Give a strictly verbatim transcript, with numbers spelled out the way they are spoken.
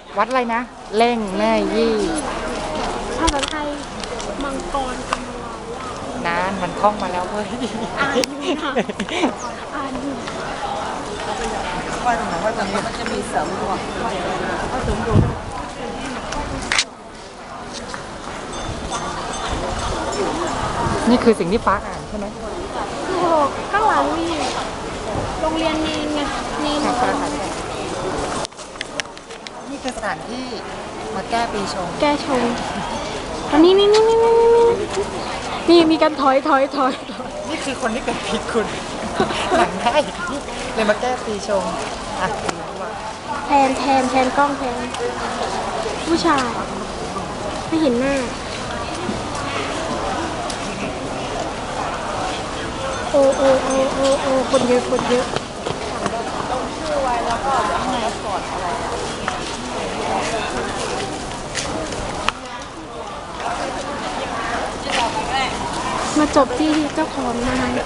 วัดอะไรนะเล่งแม่ยี่ภาษาไทยมังกรกำมะลานานมันท่องมาแล้วเว้ยอ่านอยู่ค่ะอ่านอยู่ไหว้ตรงไหนไหว้ตรงนี้มันจะมีเสริมดวงไหว้เสริมดวงนี่คือสิ่งที่ฟ้าอ่านใช่ไหมโอ้โหข้างหลังมีโรงเรียนเนนไงเนนฟ้าอ่านนี่คือสถานที่มาแก้ปีชงแกชงอันนี้นี่นี่นี่นี่นี่นี่มีการถอยถอยถอยนี่คือคนที่เกิดผิดคุณหลังได้เลยมาแก้ปีชงอ่ะแทนแทนแทนกล้องแทนผู้ชายไม่เห็นหน้าโอ้โอ้โอ้โอ้โอ้คนเยอะคนเยอะมาจบที่เจ้าของนะคะ